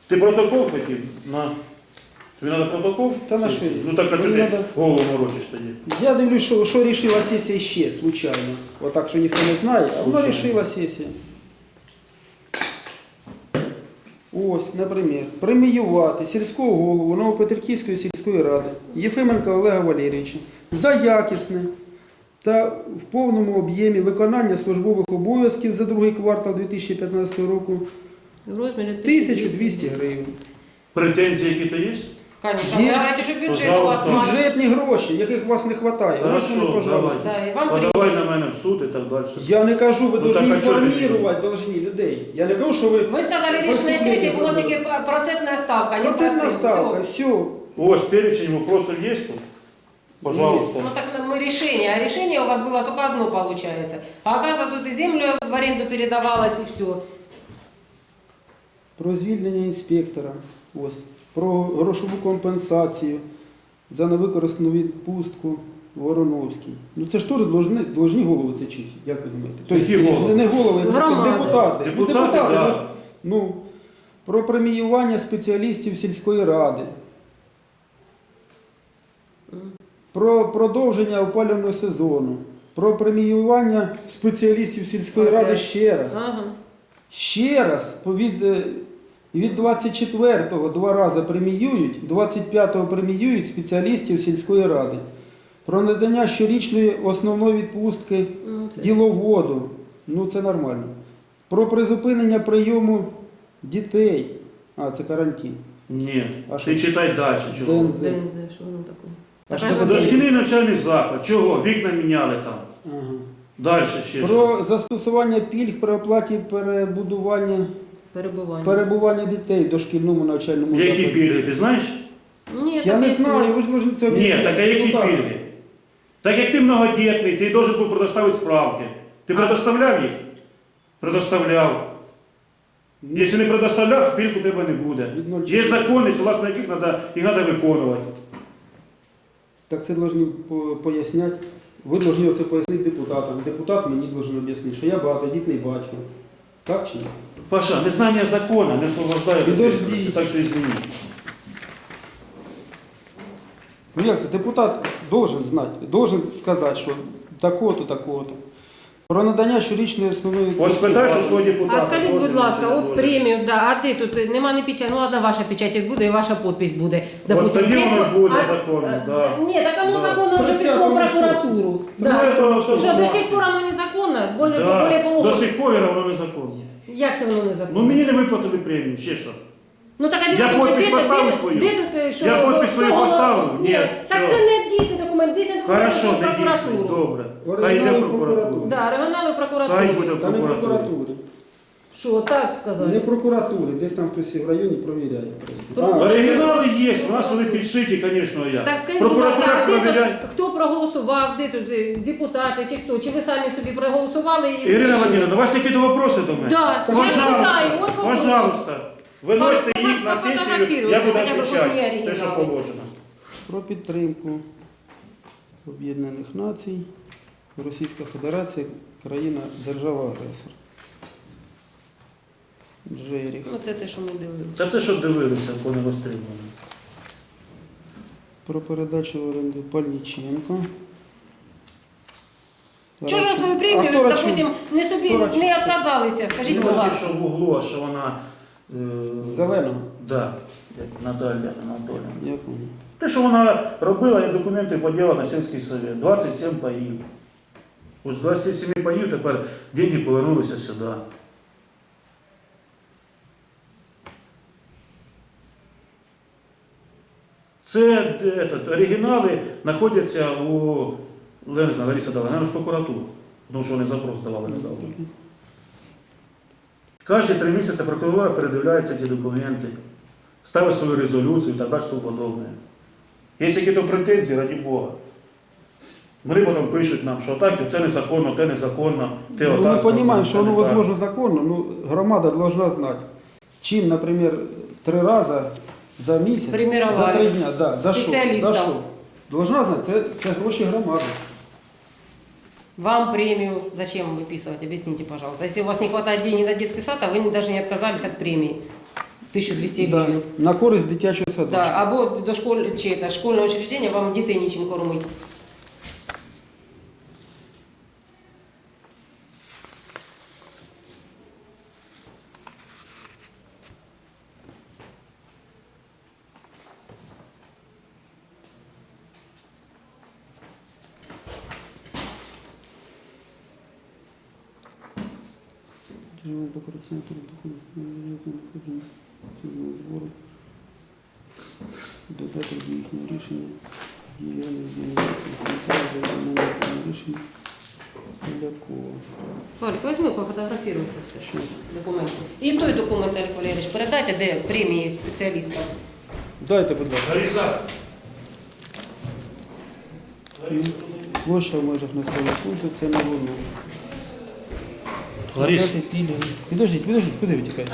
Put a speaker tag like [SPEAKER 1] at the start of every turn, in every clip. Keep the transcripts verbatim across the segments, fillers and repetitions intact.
[SPEAKER 1] Ти протокол хотів? На. Тобі треба протокол?
[SPEAKER 2] Та на що?
[SPEAKER 1] Ну так, а чого
[SPEAKER 2] Мені
[SPEAKER 1] ти
[SPEAKER 2] надо-
[SPEAKER 1] голову морочиш тоді?
[SPEAKER 2] Я дивлюсь, що, що рішила сесія ще, случайно. Отак, що ніхто не знає, а вона
[SPEAKER 1] Случайно.
[SPEAKER 2] рішила сесія. Ось, наприклад, преміювати сільського голову Новопетриківської сільської ради Єфименка Олега Валерійовича за якісне та в повному об'ємі виконання службових обов'язків за другий квартал дві тисячі п'ятнадцятого року
[SPEAKER 3] В розмірі
[SPEAKER 2] тисячу двісті гривень.
[SPEAKER 1] Претензії які-то є?
[SPEAKER 3] Конечно.
[SPEAKER 2] Є.
[SPEAKER 3] Вы говорите, что бюджет у вас
[SPEAKER 1] Пожалуйста.
[SPEAKER 3] маленький.
[SPEAKER 2] Бюджетні гроші, яких у вас не вистачає. Ось вони,
[SPEAKER 1] Хорошо,
[SPEAKER 2] пожалуйста.
[SPEAKER 1] давай.
[SPEAKER 3] Да, и вам
[SPEAKER 1] Подавай
[SPEAKER 3] приедет.
[SPEAKER 1] на мене в суд і так далі.
[SPEAKER 2] Я не кажу, ви
[SPEAKER 1] Ну,
[SPEAKER 2] повинні
[SPEAKER 1] так, а чого ти
[SPEAKER 2] інформувати должні людей. Я не кажу, що ви...
[SPEAKER 3] Ви сказали, рішення сесії було тільки процентна ставка, а не
[SPEAKER 2] Процентна
[SPEAKER 3] процент.
[SPEAKER 2] ставка,
[SPEAKER 3] Все.
[SPEAKER 2] все.
[SPEAKER 1] Ось перечень вопросов є тут? Пожалуйста.
[SPEAKER 3] Ну так мы решение, а решение у вас было только одно получается. А оказывается, тут и землю в аренду передавалось, и все.
[SPEAKER 2] Про звільнення інспектора, ось, про грошову компенсацію за невикористану відпустку Вороновський. Ну це ж теж должны, должні голови це чути, як ви думаєте?
[SPEAKER 1] Які
[SPEAKER 2] Тобто,
[SPEAKER 1] голови?
[SPEAKER 2] Не, не голови, а
[SPEAKER 3] Громади.
[SPEAKER 2] депутати. Ну,
[SPEAKER 1] Депутати, да.
[SPEAKER 2] ви ж- ну, про преміювання спеціалістів сільської ради. Про продовження опалювального сезону. Про преміювання спеціалістів сільської ради
[SPEAKER 3] Опять.
[SPEAKER 2] ще раз.
[SPEAKER 3] Ага.
[SPEAKER 2] Ще раз, від, е, від двадцять четвертого два рази преміюють, двадцять п'ятого преміюють спеціалістів сільської ради. Про надання щорічної основної відпустки
[SPEAKER 3] Ну, це-
[SPEAKER 2] діловоду. Ну це нормально. Про призупинення прийому дітей. А, це карантин.
[SPEAKER 1] Ні.
[SPEAKER 2] А
[SPEAKER 1] Ти
[SPEAKER 2] що?
[SPEAKER 1] читай далі. Чого?
[SPEAKER 2] ДНЗ.
[SPEAKER 3] ДНЗ, що воно таке?
[SPEAKER 2] А
[SPEAKER 3] Така
[SPEAKER 2] що
[SPEAKER 3] ж
[SPEAKER 2] таке?
[SPEAKER 1] Дошкільний навчальний заклад. Чого? Вікна міняли там.
[SPEAKER 2] Ага.
[SPEAKER 1] Далі ще що?
[SPEAKER 2] Про застосування пільг при оплаті перебудування,
[SPEAKER 3] перебування.
[SPEAKER 2] перебування дітей в дошкільному навчальному
[SPEAKER 1] Які
[SPEAKER 2] закладі.
[SPEAKER 1] пільги, ти знаєш?
[SPEAKER 3] Ні,
[SPEAKER 2] Я
[SPEAKER 3] там
[SPEAKER 2] не
[SPEAKER 3] є
[SPEAKER 2] знаю,
[SPEAKER 3] смерть.
[SPEAKER 2] ви ж должны це
[SPEAKER 1] Ні,
[SPEAKER 2] об'яснити.
[SPEAKER 1] так а які
[SPEAKER 2] Ну, так.
[SPEAKER 1] пільги? Так як ти многодітний, ти должен був предоставити справки. Ти
[SPEAKER 3] А.
[SPEAKER 1] предоставляв їх? Предоставляв. Якщо не предоставляв, то пільг у тебе не буде.
[SPEAKER 2] Від ноль
[SPEAKER 1] Є закони, согласно яких треба, їх треба виконувати.
[SPEAKER 2] Так це повинні по- поясняти. Ви повинні це пояснити депутатам. Депутат мені повинен об'яснити, що я багатодітний батько. Так чи ні?
[SPEAKER 1] Паша, незнання закону не освобождає від
[SPEAKER 2] Підожди.
[SPEAKER 1] відповідальності, так що извини.
[SPEAKER 2] Ну як це? Депутат должен знати, должен сказати, що тако-то, тако-то. Про надання щорічної основної...
[SPEAKER 1] Ось спитай, що свого депутата.
[SPEAKER 3] А скажіть,
[SPEAKER 1] може,
[SPEAKER 3] будь ласка,
[SPEAKER 1] не
[SPEAKER 3] от
[SPEAKER 1] буде.
[SPEAKER 3] премію, да, а ти тут нема не печать, ну ладно, ваша печать буде і ваша підпись буде. Допустим,
[SPEAKER 1] тоді воно
[SPEAKER 3] премію,
[SPEAKER 1] буде
[SPEAKER 3] а-
[SPEAKER 1] законно,
[SPEAKER 3] е,
[SPEAKER 1] да.
[SPEAKER 3] Ні, так воно
[SPEAKER 1] Да.
[SPEAKER 3] законно вже
[SPEAKER 2] тридцятого
[SPEAKER 3] пішло в
[SPEAKER 2] числа.
[SPEAKER 3] прокуратуру.
[SPEAKER 1] Ну,
[SPEAKER 3] Да.
[SPEAKER 1] це то,
[SPEAKER 3] Що
[SPEAKER 1] що
[SPEAKER 3] до
[SPEAKER 1] знати.
[SPEAKER 3] сих пор воно незаконно, более,
[SPEAKER 1] Да.
[SPEAKER 3] более
[SPEAKER 1] До
[SPEAKER 3] половини.
[SPEAKER 1] сих пор воно незаконно.
[SPEAKER 3] Як це воно
[SPEAKER 1] Ну
[SPEAKER 3] незаконно?
[SPEAKER 1] мені не виплатили премію, ще що.
[SPEAKER 3] Ну так а де
[SPEAKER 1] Я
[SPEAKER 3] тут-
[SPEAKER 1] підпис
[SPEAKER 3] де тут-
[SPEAKER 1] поставив
[SPEAKER 3] де тут-
[SPEAKER 1] свою?
[SPEAKER 3] Де тут, е, що
[SPEAKER 1] Я
[SPEAKER 3] воно-
[SPEAKER 1] підпис свою
[SPEAKER 3] що воно-
[SPEAKER 1] поставив?
[SPEAKER 3] Ні,
[SPEAKER 1] Ні,
[SPEAKER 3] так
[SPEAKER 1] все.
[SPEAKER 3] це не дійсний документ, дійсний документ
[SPEAKER 1] Хорошо,
[SPEAKER 3] пішов в
[SPEAKER 1] не дійсно.
[SPEAKER 3] прокуратуру.
[SPEAKER 1] Добре. Хай йде в
[SPEAKER 2] Оригінал
[SPEAKER 1] прокуратуру.
[SPEAKER 2] прокуратури.
[SPEAKER 3] Да, регіонали в
[SPEAKER 1] Хай
[SPEAKER 3] прокуратурі.
[SPEAKER 1] буде в
[SPEAKER 2] Та не в
[SPEAKER 1] прокуратурі.
[SPEAKER 2] прокуратурі.
[SPEAKER 3] Що, так сказали?
[SPEAKER 2] Не в прокуратурі, десь там хтось в районі провіряє. просто.
[SPEAKER 3] Ну,
[SPEAKER 2] А,
[SPEAKER 1] Оригінали є, у нас вони підшиті, звісно, я.
[SPEAKER 3] Так скажіть, будь ласка,
[SPEAKER 1] Прокуратура
[SPEAKER 3] а де
[SPEAKER 1] провіряє.
[SPEAKER 3] тут, хто проголосував, де тут е, депутати чи хто? Чи ви самі собі проголосували і
[SPEAKER 1] Ірина
[SPEAKER 3] вирішили?
[SPEAKER 1] Владимировна, у вас які то вопроси до мене?
[SPEAKER 3] Да, я
[SPEAKER 1] Пожалуйста,
[SPEAKER 3] читаю, от вопрос.
[SPEAKER 1] пожалуйста. Виносите
[SPEAKER 3] По-
[SPEAKER 1] їх на
[SPEAKER 3] по-
[SPEAKER 1] сесію,
[SPEAKER 3] пофотографіруйте,
[SPEAKER 1] я буду
[SPEAKER 3] хоча б
[SPEAKER 1] відповідати,
[SPEAKER 3] мені
[SPEAKER 1] те, що
[SPEAKER 3] оригінали.
[SPEAKER 1] положено.
[SPEAKER 2] Про підтримку Об'єднаних Націй, Російська Федерація, країна, держава-агресор. Джеріх.
[SPEAKER 3] Ну це те, що ми дивилися.
[SPEAKER 1] Та це щоб дивилися, коли не розстрілювали.
[SPEAKER 2] Про передачу в оренду Пальниченко.
[SPEAKER 3] Чого ж ви свою
[SPEAKER 2] А
[SPEAKER 3] премію,
[SPEAKER 2] хто Рачун?
[SPEAKER 3] допустим, не собі
[SPEAKER 2] Хто Рачун?
[SPEAKER 3] не відказалися, скажіть,
[SPEAKER 1] Не
[SPEAKER 3] будь
[SPEAKER 1] бачиш,
[SPEAKER 3] ласка.
[SPEAKER 1] що в углу, а що вона... Е...
[SPEAKER 2] Зеленого?
[SPEAKER 1] Да, як Наталя Анатоліївна.
[SPEAKER 2] Я понял.
[SPEAKER 1] Те, що вона робила, я документи поділа на сільський совет. двадцять сім паїв. Ось з двадцяти семи паїв тепер деньги повернулися сюди. Це де, этот, оригінали знаходяться у я не знаю, Лариса дала, наверное, в прокуратуру, тому що вони запрос давали недавно. Кожні три місяці прокуратура передивляється ті документи, ставить свою резолюцію і так далі, тому подобне. Є якісь претензії, раді Бога. Вони потім пишуть нам, що так, це незаконно, те незаконно, те
[SPEAKER 2] Ну,
[SPEAKER 1] отак.
[SPEAKER 2] мы
[SPEAKER 1] зроблено,
[SPEAKER 2] понимаем,
[SPEAKER 1] це
[SPEAKER 2] что оно
[SPEAKER 1] не так.
[SPEAKER 2] возможно законно, но громада должна знать, чем, например, три раза за месяц,
[SPEAKER 3] Премировали
[SPEAKER 2] за три дня, да, за що,
[SPEAKER 3] спеціаліста.
[SPEAKER 2] за що. Должна знать, це, це гроші громади.
[SPEAKER 3] Вам премию зачем выписывать? Объясните, пожалуйста. Если у вас не хватает денег на детский сад, а вы не- даже не отказались от премии. тисячу двісті
[SPEAKER 2] Да,
[SPEAKER 3] гривень.
[SPEAKER 2] на користь дитячого садочка.
[SPEAKER 3] Да, або до школь, чи це, школьне учреждення вам дітей нічим кормить.
[SPEAKER 2] Живемо по координатору доходу, надходження цього збору, додати до їхнього рішення, діяльність діяльності, рішення Полякова.
[SPEAKER 3] Валік, візьми, пофотографіруйся все.
[SPEAKER 2] Що?
[SPEAKER 3] Документи. І той документ, Олег Валерійович, передайте, де премії спеціалістам.
[SPEAKER 2] Дайте, будь ласка.
[SPEAKER 1] Лариса.
[SPEAKER 2] Площа в межах населеного пункту, це не воно.
[SPEAKER 1] Ларис,
[SPEAKER 2] Дати пільги. Підождіть, підождіть, куди ви тікаєте?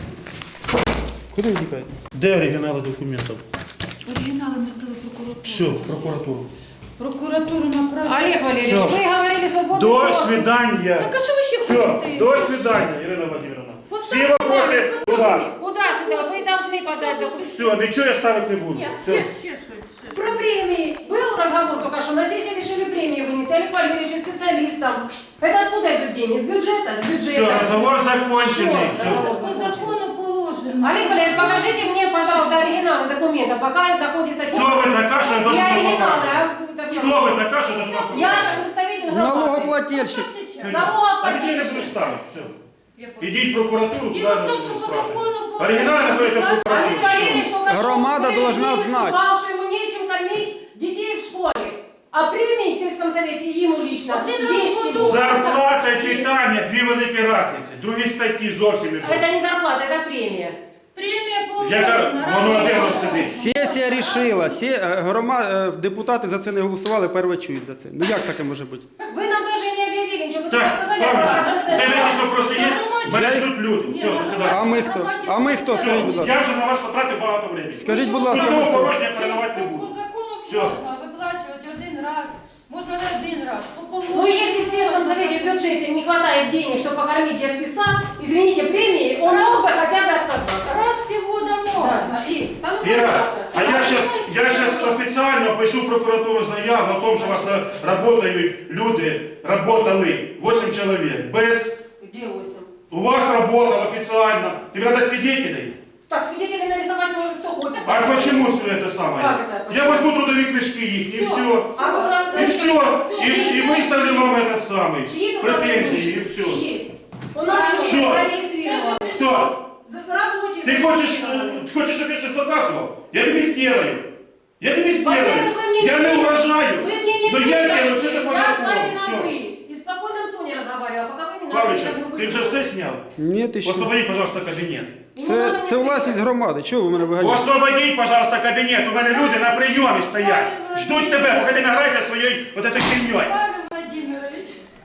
[SPEAKER 2] Куди ви тікаєте?
[SPEAKER 1] де оригінали документів?
[SPEAKER 4] Оригінали ми здали прокуратуру.
[SPEAKER 1] Все, в прокуратуру.
[SPEAKER 4] Прокуратуру направили.
[SPEAKER 3] Олег Валерійович,
[SPEAKER 1] Всё.
[SPEAKER 3] ви говорили свободно.
[SPEAKER 1] До свидания.
[SPEAKER 4] Так а що ви ще
[SPEAKER 1] Все,
[SPEAKER 4] хочете?
[SPEAKER 1] до свидания, Ирина Владимировна.
[SPEAKER 4] Поставьте
[SPEAKER 1] Все вопросы
[SPEAKER 4] лайк,
[SPEAKER 1] туда.
[SPEAKER 3] Куда сюда? Ви повинні подати документи.
[SPEAKER 1] Все, ничего я ставить не буду.
[SPEAKER 4] Ні,
[SPEAKER 1] Все.
[SPEAKER 4] ще, ще щось. ще
[SPEAKER 3] Про
[SPEAKER 4] щось.
[SPEAKER 3] премии. Был разговор только что, на сессии решили премии вынести Олег Валерьевич и специалистам. Это откуда идут деньги? С бюджета? С бюджета.
[SPEAKER 1] Все, разговор законченный.
[SPEAKER 3] Всё.
[SPEAKER 1] Все.
[SPEAKER 4] По закону положено.
[SPEAKER 3] Олег Валерьевич, покажите мне, пожалуйста, оригиналы документа, пока находится...
[SPEAKER 1] Кто вы такая, что я
[SPEAKER 3] Не
[SPEAKER 1] должен
[SPEAKER 3] оригиналы,
[SPEAKER 1] показывать?
[SPEAKER 3] а... это всё.
[SPEAKER 1] Кто вы такая, что должна показывать?
[SPEAKER 3] Я представитель громады.
[SPEAKER 2] Налогоплательщик.
[SPEAKER 1] А ничего не
[SPEAKER 3] Налогоплательщик.
[SPEAKER 1] буду ставить. Все.
[SPEAKER 4] Я поняла.
[SPEAKER 1] Идите в прокуратуру.
[SPEAKER 4] Дело
[SPEAKER 1] туда
[SPEAKER 4] в том, что по
[SPEAKER 1] спрашивайте.
[SPEAKER 4] закону положено.
[SPEAKER 1] Оригинал находится в
[SPEAKER 3] Олег
[SPEAKER 1] прокуратуре.
[SPEAKER 3] Валерьевич только что
[SPEAKER 2] Громада
[SPEAKER 3] в
[SPEAKER 2] должна
[SPEAKER 3] премии
[SPEAKER 2] знать.
[SPEAKER 3] выступал, что ему нечем кормить детей в школе. А премии в сельском совете ему лично
[SPEAKER 4] Один раз
[SPEAKER 3] есть
[SPEAKER 4] в
[SPEAKER 3] чему.
[SPEAKER 4] году.
[SPEAKER 1] Зарплата і питання, дві великі різниці. Другі статті зовсім не
[SPEAKER 3] Это не зарплата, это премия.
[SPEAKER 4] Премія
[SPEAKER 1] Яка
[SPEAKER 4] положена.
[SPEAKER 1] воно
[SPEAKER 4] Разве
[SPEAKER 1] один
[SPEAKER 4] я
[SPEAKER 1] сидить.
[SPEAKER 2] Сесія рішила, сі... е, грома... е, депутати за це не голосували, перше чують за це. Ну як таке може бути?
[SPEAKER 3] Вы нам даже не объявили ничего, вы только
[SPEAKER 1] Так,
[SPEAKER 3] сказали,
[SPEAKER 1] Павлович,
[SPEAKER 3] что-
[SPEAKER 1] у тебе якісь вопроси є? Мене ждуть люди.
[SPEAKER 4] Ні,
[SPEAKER 1] Все, до
[SPEAKER 4] ну,
[SPEAKER 2] А
[SPEAKER 1] свидання.
[SPEAKER 2] ми хто? А ми хто? Скажіть, будь
[SPEAKER 1] Все,
[SPEAKER 2] ласка.
[SPEAKER 1] я вже на вас потратив багато времени.
[SPEAKER 2] Скажіть, будь ласка,
[SPEAKER 1] Пустого
[SPEAKER 2] ви хто?
[SPEAKER 1] порожнього передавати не
[SPEAKER 4] По
[SPEAKER 1] буду.
[SPEAKER 4] закону
[SPEAKER 1] Всё.
[SPEAKER 4] можна виплачувати один раз. Можна не один раз. По положенню.
[SPEAKER 3] Ну, если в сельском совете в бюджете не хватает денег, чтобы покормить детский сад, извините, премии, он мог бы хотя бы отказаться.
[SPEAKER 4] Раз в півгода можна. І
[SPEAKER 3] Там ну,
[SPEAKER 1] Ира,
[SPEAKER 3] понятно.
[SPEAKER 1] а я сейчас, я сейчас официально пишу в прокуратуру заяву о том, что у вас на- работают люди, работали, восемь человек, без...
[SPEAKER 3] Где восемь?
[SPEAKER 1] У вас работал официально. Тебе надо свидетелей.
[SPEAKER 3] Так, свидетелей нарисовать может кто хочет.
[SPEAKER 1] А почему все это самое?
[SPEAKER 3] Как это?
[SPEAKER 1] Я возьму трудовые книжки их, и все.
[SPEAKER 3] А ну,
[SPEAKER 1] И все. И, и выставлю вам этот самый
[SPEAKER 3] Чьи тут
[SPEAKER 1] претензии, и
[SPEAKER 3] рабочие?
[SPEAKER 1] все.
[SPEAKER 3] Чьи? У нас
[SPEAKER 1] Что?
[SPEAKER 3] люди зарегистрированы.
[SPEAKER 1] Все.
[SPEAKER 3] За- Рабочие.
[SPEAKER 1] Ты хочешь,
[SPEAKER 3] зарегистрированы.
[SPEAKER 1] ты хочешь, чтобы я сейчас доказывал? Я тебе сделаю. Я тебе сделаю.
[SPEAKER 3] Во-первых, вы мне
[SPEAKER 1] Я не
[SPEAKER 3] верите.
[SPEAKER 1] уважаю.
[SPEAKER 3] Вы мне не
[SPEAKER 1] Но я
[SPEAKER 3] верите.
[SPEAKER 1] сделаю все это по
[SPEAKER 3] Я с вами
[SPEAKER 1] закону.
[SPEAKER 3] на
[SPEAKER 1] Все.
[SPEAKER 3] «вы». И в спокойном тоне разговаривала, пока вы не начали
[SPEAKER 1] Павлович,
[SPEAKER 3] так грубо
[SPEAKER 1] ты уже
[SPEAKER 3] говорить.
[SPEAKER 1] все снял?
[SPEAKER 2] Ні, ти що?
[SPEAKER 1] Освободи, пожалуйста, кабинет.
[SPEAKER 3] Не
[SPEAKER 2] Це,
[SPEAKER 3] надо
[SPEAKER 2] це
[SPEAKER 3] мне
[SPEAKER 2] власність
[SPEAKER 3] кричать.
[SPEAKER 2] громади. Чого ви мене виганяєте?
[SPEAKER 1] Освободіть, пожалуйста, кабінет. У мене люди на прийомі стоять. Ждуть тебе, поки ти награєшся своєю от этой херньою.
[SPEAKER 4] Павел Владимирович.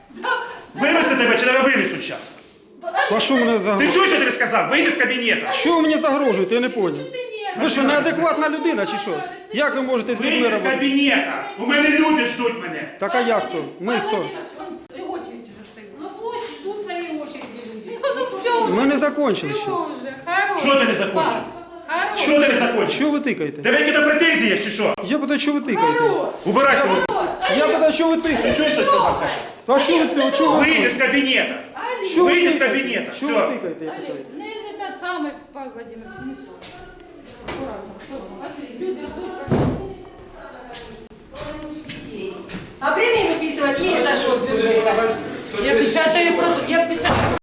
[SPEAKER 1] Вивезти тебе чи тебе винесуть зараз?
[SPEAKER 2] А що мене
[SPEAKER 1] Ти
[SPEAKER 2] загрожує?
[SPEAKER 1] чуєш, що я тобі сказав? Вийди з кабінету.
[SPEAKER 2] Що ви мені загрожуєте? Я не поняв.
[SPEAKER 4] Ти ні.
[SPEAKER 2] Ви що, неадекватна людина чи що? Як ви можете з людьми
[SPEAKER 1] Вийди з
[SPEAKER 2] робити?
[SPEAKER 1] кабінету. У мене люди ждуть мене.
[SPEAKER 2] Так а я хто? Ми
[SPEAKER 4] Павел
[SPEAKER 2] хто?
[SPEAKER 4] Владимирович, он в очередь уже стоит.
[SPEAKER 3] Ну пусть ждут своей очереди люди.
[SPEAKER 4] Ну все уже.
[SPEAKER 2] Ми не закончили
[SPEAKER 4] Все
[SPEAKER 2] ще.
[SPEAKER 4] уже. Хорош.
[SPEAKER 1] Що ти не закончив?
[SPEAKER 4] Хорош.
[SPEAKER 1] Що ти не закончив?
[SPEAKER 2] Що ви тикаєте?
[SPEAKER 1] Тебе якісь претензії є чи що?
[SPEAKER 2] Я питаю, що ви тикаєте?
[SPEAKER 4] Хорош.
[SPEAKER 1] Убирайся.
[SPEAKER 4] Хорош.
[SPEAKER 2] Я питаю, що ви
[SPEAKER 1] Ти
[SPEAKER 2] тикаєте?
[SPEAKER 1] чуєш, що сказав? Катя?
[SPEAKER 2] А що ви тикаєте? Що ви
[SPEAKER 1] Вийди з кабінету.
[SPEAKER 4] Олег,
[SPEAKER 2] Що ви
[SPEAKER 1] Вийди з
[SPEAKER 2] тикаєте?
[SPEAKER 1] кабінету.
[SPEAKER 2] Що ви
[SPEAKER 1] Все.
[SPEAKER 2] тикаєте? я питаю?
[SPEAKER 4] Олег, не, не тот самый Павел Владимирович, не то. Аккуратно, аккуратно. Пошли, люди ждут, пошли.
[SPEAKER 3] А премии выписывать есть за что с бюджета.
[SPEAKER 4] Я печатаю, проду- я печатаю.